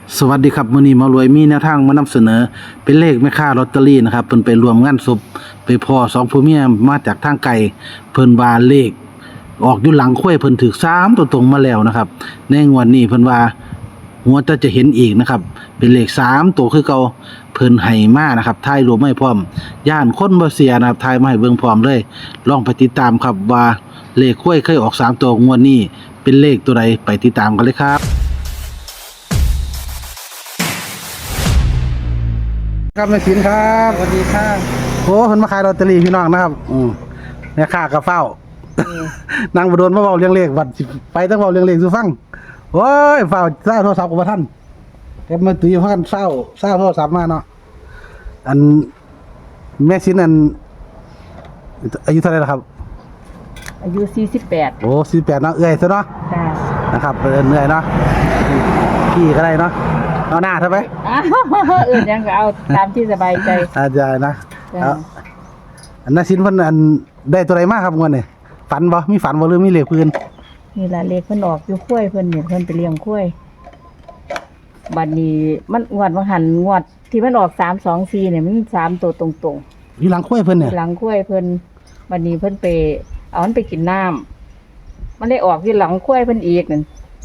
สวัสดีครับมื้อนี้หมารวยมีแนวทางมานำเสนอเป็นเลขแม่ค้าลอตเตอรี่นะครับเพิ่นไปรวมงานศพไปพ้อ2ผัวเมียมาจากทางไกลเพิ่นว่าเลขออกอยู่หลังข้วยเพิ่นถูก3ตัวตรงมาแล้วนะครับในงวดนี้เพิ่นว่าหัวจะเห็นอีกนะครับเป็นเลข3ตัวคือเก่าเพิ่นให้มานะครับทายรวมให้พร้อมย่านคนบ่เสียนะครับทายมาให้เบิ่งพร้อมเลยลองไปติดตามครับว่าเลขข้วยเคยออก3ตัวงวดนี้เป็นเลขตัวใดไปติดตามกันเลยครับครับแม่ศิลป์ครับสวัสดีค่ะโอ้เพิ่นมาขายลอตเตอรี่พี่น้องนะครับแม่ค้าก็เฝ้านั่งบ่โดนมาเว้าเรื่องเลขบัดสิไปต้องเว้าเรื่องเลขสู่ฟังโอ้ยเฝ้าซ่าโทรศัพท์กับบ่ทันแกมาตุ้ยพากันซ่าโทรศัพท์มาเนาะอันแม่ศิลป์อันอายุเท่าไหร่ล่ะครับอายุ48 โอ้48เนาะเอื้อยซะเนาะจ้านะครับเอื้อยเนาะพี่ก็ได้เนาะเอาหน้าเถอะไปยังก็เอาตามที่สบายใจอาจารย์นะอันน่ะศิลป์เพิ่นอันได้ตัวใดมาครับงวดนี้ฝันบ่มีฝันบ่หรือมีเลขพื้นนี่ล่ะเลขเพิ่นออกอยู่ข้วยเพิ่นเนี่ยเพิ่นไปเลี้ยงข้วยบัดนี้มันงวดงวดที่มันออก324เนี่ยมัน3ตัวตรงๆอยู่หลังข้วยเพิ่นเนี่ยหลังข้วยเพิ่นบัดนี้เพิ่นไปเอามันไปกินน้ำมันได้ออกที่หลังข้วยเพิ่นอีกนั่น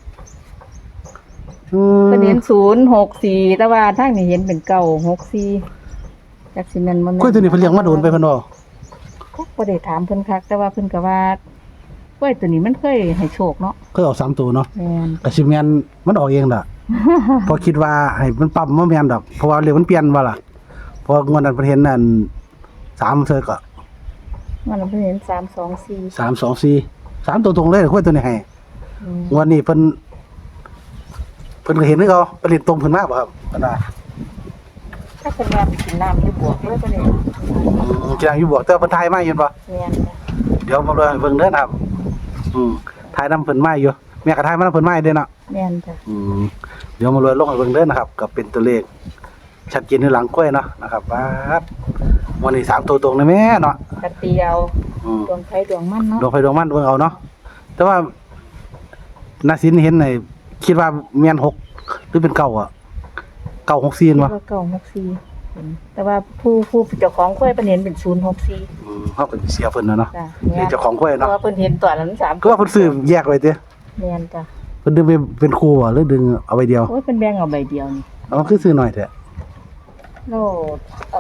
เพิ่นเห็น064แต่ว่าทางนี้เห็นเป็น964จักสิแม่นบ่แม่นข้วยตัวนี้เพิ่นเลี้ยงมาโดนไปเพิ่นบ่บ่ได้ถามเพิ่นคักแต่ว่าเพิ่นก็ว่าข้วยตัวนี้มันเคยให้โชคเนาะเคยออก3ตัวเนาะแม่นก็สิแม่นมันออกเองล่ะ พอคิดว่าให้มันปรับบ่แม่นดอกเพราะว่าเลขมันเปลี่ยนบ่ล่ะเพองวดนั้นเพิ่นเห็นนั่น3เทื่อก็มันเพิ่นเห็น324 324 3ตัวตรงเลยข้วยตัวนี้ให้งวดนี้เพิ่นก็เห็นคือเขาไปเล่นตรงเพิ่นมาบ่ครับเพิ่นว่าถ้าเพิ่นว่าไปกินน้ำอยู่บวกเลยเพิ่นนี่กินอยู่บวกแต่เพิ่นถ่ายมาอยู่บ่แม่นเดี๋ยวมาเลยเบิ่งเด้อนะครับถ่ายนำเพิ่นมาอยู่แม่ก็ถ่ายมานำเพิ่นมาเด้อเนาะแม่นจ้ะเดี๋ยวมาเลยลงให้เบิ่งเด้อนะครับก็เป็นตัวเลขชัดเจนอยู่หลังกล้วยเนาะนะครับปั๊บวันนี้3ตัวตรงเลยแม่เนาะกะเตียวดวงไผดวงมันเนาะดวงไฟดวงมันเบิ่งเอาเนาะแต่ว่านาสินเห็นไอ้คิดว่าแม่น6หรือเป็น9อ่ะ964บ่ 964แต่ว่าผู้เจ้าของกล้วยเพิ่นเห็นเป็น064 เฮาก็สิเสียเพิ่นเนาะนี่เจ้าของกล้วยเนาะเพราะว่าเพิ่นเห็นตัวนั้น3 คือว่าเพิ่นซื้อแยกไว้ติแม่นจ้ะเพิ่นดึงไปเป็นคู่บ่หรือดึงเอาใบเดียวโอ้ยเพิ่นแบ่งเอาใบเดียวนี่คือซื้อน้อยแท้โลเอา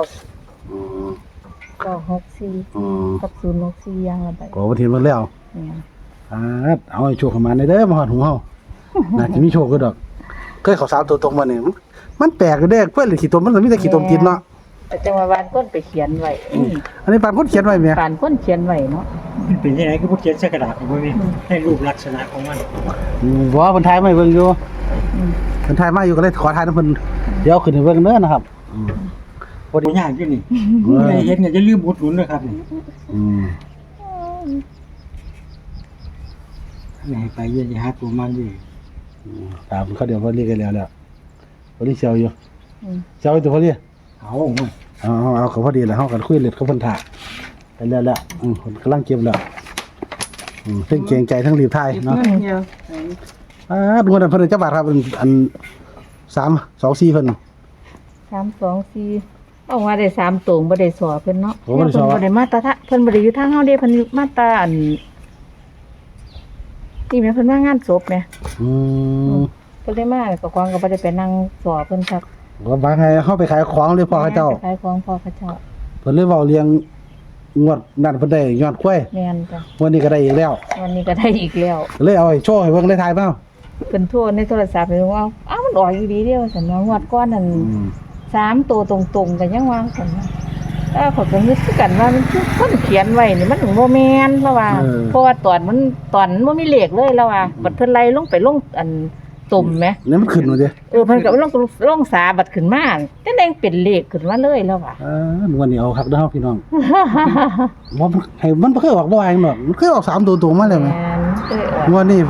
964กับ064อย่างละใบก็บ่เห็นมันแล้วแม่นเอาให้โชคเข้ามาเด้อมาฮอดหูเฮาน่าสิมีโชคคือดอกเคยเข้า3ตัวตรงบ่นี่มันแปลกเด้อเพิ่นเลยขี้ตมมันมีแต่ขี้ตมติดเนาะแต่จังว่าบ้านคนไปเขียนไว้อันนี้ปานคนเขียนไว้แม่ปานคนเขียนไว้เนาะมันเป็นยังไงก็พวกเขียนใส่กระดาษบ่มีให้รูปลักษณะของมันบ่เพิ่นถ่ายมาให้เบิ่งอยู่เพิ่นถ่ายมาอยู่ก็เลยขอถ่ายนำเพิ่นเดี๋ยวขึ้นให้เบิ่งเด้อนะครับบ่ยากอยู่นี่ใครเฮ็ดเนี่ยอย่าลืมอุดหนุนนะครับนี่ให้ไปอย่าหาตัวมันอยู่ตามเขาเดี๋ยวเพิ่นเรียกกันแล้วบ่ได้เชียวอยู่เชียวตัวเพิ่นเรียกเอาเขาพอดีแล้วเฮากันคุยเล็ดเขาเพิ่นถ่าไปแล้วเพิ่นกำลังเก็บแล้วทั้งเกรงใจทั้งรีบถ่ายเนาะดูนั่นเพิ่นจักบาทครับอัน324เพิ่น 324เอาว่าได้3ตรงบ่ได้สอเพิ่นเนาะเพิ่นบ่ได้มาตาเพิ่นบ่ได้อยู่ทางเฮาเด้เพิ่นมาตาอันนี่แม่เพิ่นมางานศพแม่เพิ่นได้มาก็ควางก็บ่ได้ไปนั่งสอเพิ่นครับว่าบางไงเฮาไปขายของเลยพ่อเขาเจ้าขายของพ่อเขาเจ้าเพิ่นเลยเว้าเลี้ยงงวดนั่นเพิ่นได้ยอดกล้วยแม่นจ้ะวันนี้ก็ได้อีกแล้วเลยเอาให้โชว์ให้เบิ่งได้ถ่ายเปล่าเพิ่นโทรในโทรศัพท์เลยว่ามันออกอีหลีเด้อซั่นว่างวดก่อนนั่น3ตัวตรงๆก็ยังว่าซั่นแต่ข้อยก็นึกคือกันว่ามันคือคนเขียนไว้นี่มันบ่แม่นแล้วว่าเพราะว่าตอนมันบ่มีเลขเลยแล้วว่าบัดเพิ่นไล่ลงไปลงอันตุ่มแหมนี่มันขึ้นมาดิเพิ่นก็ลงสาบัดขึ้นมาจังได๋เป็นเลขขึ้นมาเลยแล้วว่าวันนี้เอาคักเด้อพี่น้องบ่ให้มันบ่เคยออกบ่ว่าหยังดอกมันเคยออก3ตัวตรงมาแล้วแม่นวันนี้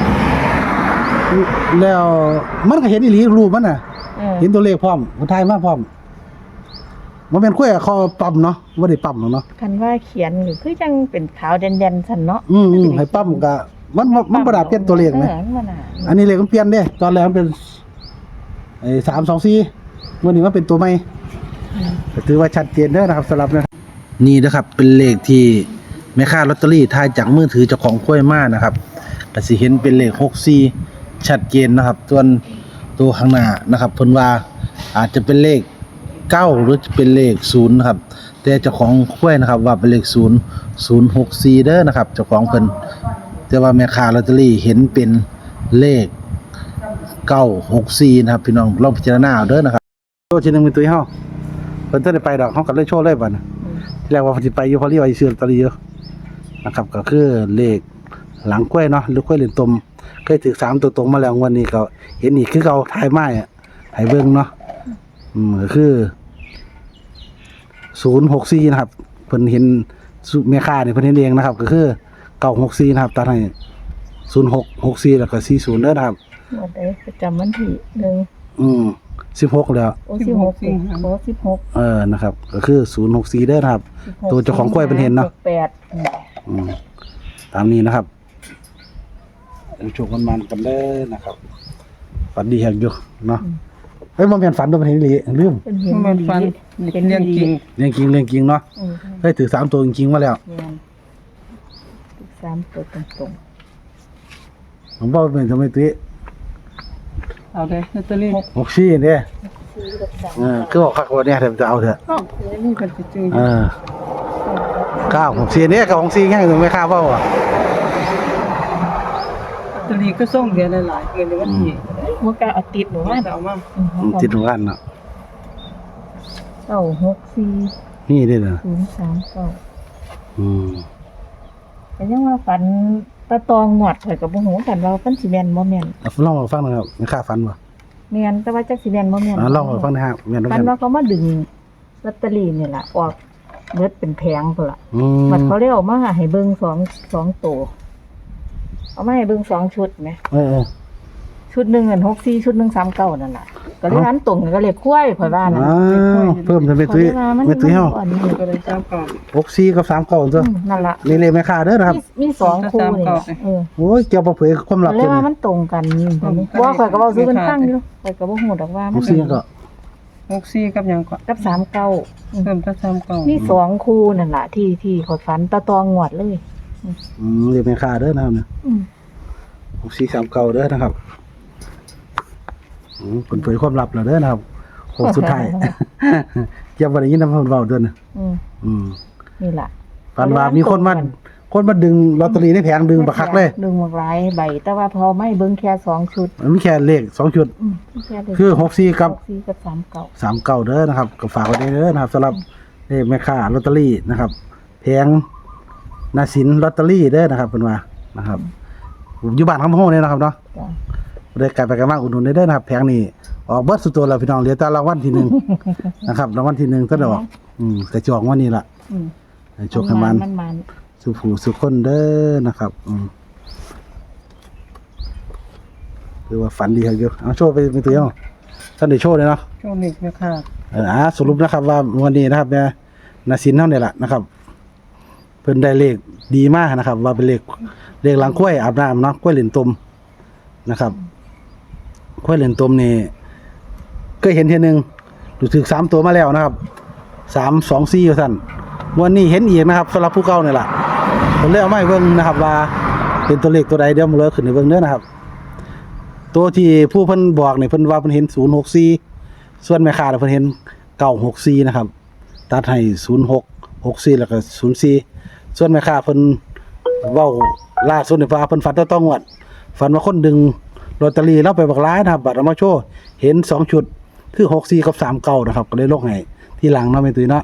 แล้วมันก็เห็นอีหลีรูปมันน่ะเห็นตัวเลขพร้อมคนไทยมาพร้อมบ่แม่นคุยกับเขาปั๊มเนาะบ่ได้ปั๊มเนาะคันว่าเขียนนี่คือจังเป็นขาวแดนๆซั่นเนาะให้ปั๊มก็มันบ่ได้เปลี่ยนตัวเลขนะอันนี้เลขมันเปลี่ยนเด้ตอนแรกมันเป็นไอ้324วันนี้มันเป็นตัวใหม่ก็ถือว่าชัดเจนเด้อนะครับสำหรับนี่นะครับเป็นเลขที่แม่ค้าลอตเตอรี่ทายจากมือถือเจ้าของกล้วยมานะครับก็สิเห็นเป็นเลข64ชัดเจนนะครับส่วนตัวข้างหน้านะครับเพิ่นว่าอาจจะเป็นเลข9หรือจะเป็นเลข0นะครับแต่เจ้าของกล้วยนะครับว่าเป็นเลข064เด้อนะครับเจ้าของเพิ่นแต่ว่าแม่ค้าลอตเตอรี่เห็นเป็นเลข964นะครับพี่น้องลองพิจารณาเอาเด้อนะครับโชว์ทีนึงเป็นตัวเฮาเพิ่นจะได้ไปดอกเฮาก็เลยโชว์เลยบัดน่ะที่แรกว่าสิไปอยู่พอรีว่าสิซื้อลอตเตอรี่อยู่นะครับก็คือเลขหลังกล้วยเนาะหรือกล้วยเหรียญตมเคยถึง3ตัวตรงมาแล้ววันนี้ก็เห็นอีกคือเก่าถ่ายไม้อ่ะให้เบิ่งเนาะก็คือ064นะครับเพิ่นเห็นแม่ค้านี่เพิ่นเห็นเองนะครับก็คือ964นะครับตัดให้0664แล้วก็40เด้อนะครับวันใดประจำวันที่ 16แล้วโอ้16โอ้16 นะครับก็คือ064เด้อนะครับตัวเจ้าของกล้วยเพิ่นเห็นเนาะตามนี้นะครับโชคมันกันเด้อนะครับฝันดีแฮกอยู่เนาะเฮ้ยบ่แม่นฝันตัวเพิ่นเห็นอีหลีลืมเป็นเห็นมันฟันเป็นเรื่องจริงเรื่องจริงเนาะเฮ้ยถือ3ตัวจริงๆมาแล้ว 3ตัวตรงผมบอกเป็นทำไมตุ้ยเอาเลยลอตเตอรี่ 64เนี่ยคือบอกคักว่าเนี่ยเดี๋ยวจะเอาเถอะนี่ก็จะจืด 964เนี่ยกับ64แค่ถึงไม่ค่าเปล่าอ่ะลอตเตอรี่ก็ส่งเดือนละหลายเกินในวันที่ๆบ่กล้าเอาติดหนูว่าเอามาติดทุกอันเนาะ 964 นี่เด้อนะ 039 อืมแต่ยังว่าฝันตะตองหวดข่อยก็บ่ฮู้กันว่าเพิ่นสิแม่นบ่แม่นลองมาฟังหนะครับไม่ค่าฝันบ่แม่นแต่ว่าจักสิแม่นบ่แม่นลองมาฟังนะครับแม่นบ่ฝัแม่นนว่าเขามาดึงลอตเตอรี่นี่ล่ะออกเบิดเป็นแผงพุ่นล่ะ มันเขาเรียกมาให้เบิ่ง2ตัวเอามาให้เบิ่ง2ชุดแหม ชุดหนึ่งอัน64ชุดหนึ่ง39นั่นล่ะก็เลยนั้นตรงกันก็เลยคุ้ยข่อยว่านั่นเพิ่มทำไมตุ้ยไม่ตุ้ยเฮาอันนี้ก็เลยจ้าก่อน 64กับ39ตัวนั่นล่ะนี่เลยไม่ค่าเด้อนะครับมี2คู่นี่ล่ะโอ้ยเกี่ยวกับเผยความลับเลยว่ามันตรงกันนี่ว่าข่อยก็เว้าซื้อกันฟังอยู่ข่อยก็บ่ฮู้ดอกว่ามัน 64ก็ 64กับหยังก่อนกับ39 เพิ่มถ้า39 มี2คู่นั่นล่ะที่ข่อยฝันตะตองงวดเลยเรียกไม่ค่าเด้อนะครับเนี่ยอืม 6439เด้อนะครับเปิดเผยความลับแล้วเด้อนะครับโค้งสุดท้ายเกี่ยวบ่ได้ยินนำเพิ่นเว้าเด้อนะนี่ล่ะฝันว่ามีคนมาดึงลอตเตอรี่ในแผงดึงบักคักเลยดึงบักหลายใบแต่ว่าพอไม่เบิ่งแค่2ชุดมันมีแค่เลข2ชุดมีแค่เลขคือ64กับ 64กับ39 39เด้อนะครับก็ฝากไว้เด้อนะครับสำหรับเลขแม่ค้าลอตเตอรี่นะครับแผงนาสินลอตเตอรี่เด้อนะครับเพิ่นว่านะครับอยู่บ้านคำโฮเนี่ยนะครับเนาะจ้ะได้กลับไปกันมาอุดหนุนได้เด้อนะครับแผงนี้ออกเบิดสุดตัวแล้วพี่น้องเหลือแต่รางวัลที่ 1 นะครับรางวัลที่1ก็ดอกกระจอกวันนี้ล่ะอืมให้โชคให้มันมันสุผู้สุคนเด้อนะครับคือว่าฝันดีครับอยู่เอาโชว์ไปตัวเองท่านได้โชว์เลยเนาะช่วงนี้แม่ค่ะสรุปนะครับว่าวันนี้นะครับเนี่ยนาสินเท่านี้แหละนะครับเพิ่นได้เลขดีมากนะครับ ว่าเป็นเลขหลังกล้วยอาบน้ำเนาะกล้วยเหรียญตมนะครับกล้วยเหรียญตมนี่เคยเห็นทีนึงดูถึก3ตัวมาแล้วนะครับ324ว่าซั่นวันนี้เห็นอีกนะครับสำหรับผู้เก่านี่แหละผมเลยเอามาให้เบิ่งนะครับว่าเป็นตัวเลขตัวใดเดี๋ยวผมเลยขึ้นให้เบิ่งเด้อนะครับ ตัวที่ผู้เพิ่นบอกนี่เพิ่นว่าเพิ่นเห็น064ส่วนแม่ค้าเพิ่นเห็น964นะครับตัดให้0664แล้วก็04ส่วนแม่ค้าเพิ่นเว้าล่าสุดนี่เพิ่นฝันต้องงวดฝันว่าคนดึงลอตเตอรี่แล้วไปบักหลายนะครับบัดเอามาโชว์เห็น2ชุดคือ64กับ39นะครับก็เลยลงให้ที่หลังเนาะแม่ตุ้ยเนาะ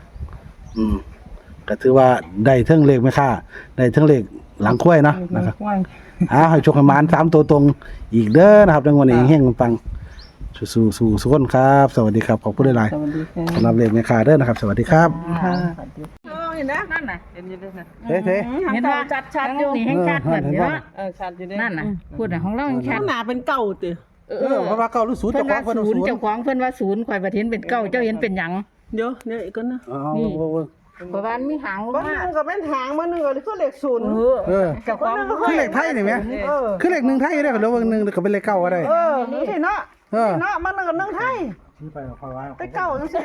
ก็ถือว่าได้เทั้งเลขแม่ค้าได้เทั้งเลขหลังค้วยเนาะนะครับให้โชคให้หมาน3ตัวตรงอีกเด้อนะครับในวันนี้เฮงๆปังสู้สุขคนครับสวัสดีครับขอบคุณหลายสวัสดีค่ะๆสำหรับเลขแม่ค้าเด้อนะครับสวัสดีครับค่ะเห็นนะนั่นน่ะเห็นอยู่ด้วยนะเฮ้ยเห็นว่าชัดๆอยู่นี่ให้ชัดเหมือนเนาะชัดอยู่ด้วยนั่นน่ะพูดน่ะของเรายังชัดหนาเป็นเก่าติเพราะว่าเก้าหรือศูนย์เพิ่นเจ้าขอว่างเพิ่นศูนย์ศูนย์เจ้าของเพิ่นว่าศูนย์ข่อยบ่เห็นเป็นเก้าเจ้าเห็นเป็นหยังเดี๋ยวอีกคนนะเพราะว่ามีหางบ้านนึงก็เป็นหางบ้านนึงก็คือเลขศูนย์เจ้าของคือเลขไทยนี่ไหมคือเลขหนึ่งไทยได้ก็แล้วนึงก็เป็นเลขเก้าก็ได้นี่สิเนาะเออเนาะมันก็นึ่งไทยซื้อไปเพราะว่าไปเก่าจังซี่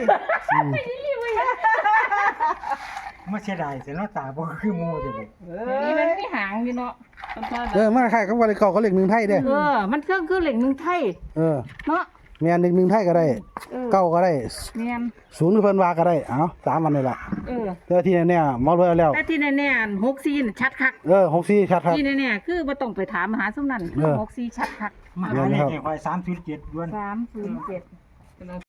มาเสียดายเสียเนาะตาบ่คือหมู่เด้อนี่มันมีหางอยู่เนาะมาคล้ายกับว่าเลขเก่าก็เลขหนึ่งไทยเด้มันคือเหล็กหนึ่งไทยเออเนาะแม่นเลขหนึ่งไทยก็ได้เก้าก็ได้แม่นศูนย์เพิ่นว่าก็ได้เอา3อันนี่ล่ะแต่ที่แน่ๆหมอรวยเอาแล้วแต่ที่แน่ๆ64น่ะชัดคัก 64ชัดครับที่แน่ๆคือบ่ต้องไปถามหาซุมนั้น64ชัดคักมาหาเลขให้ข่อย307ด้วน 307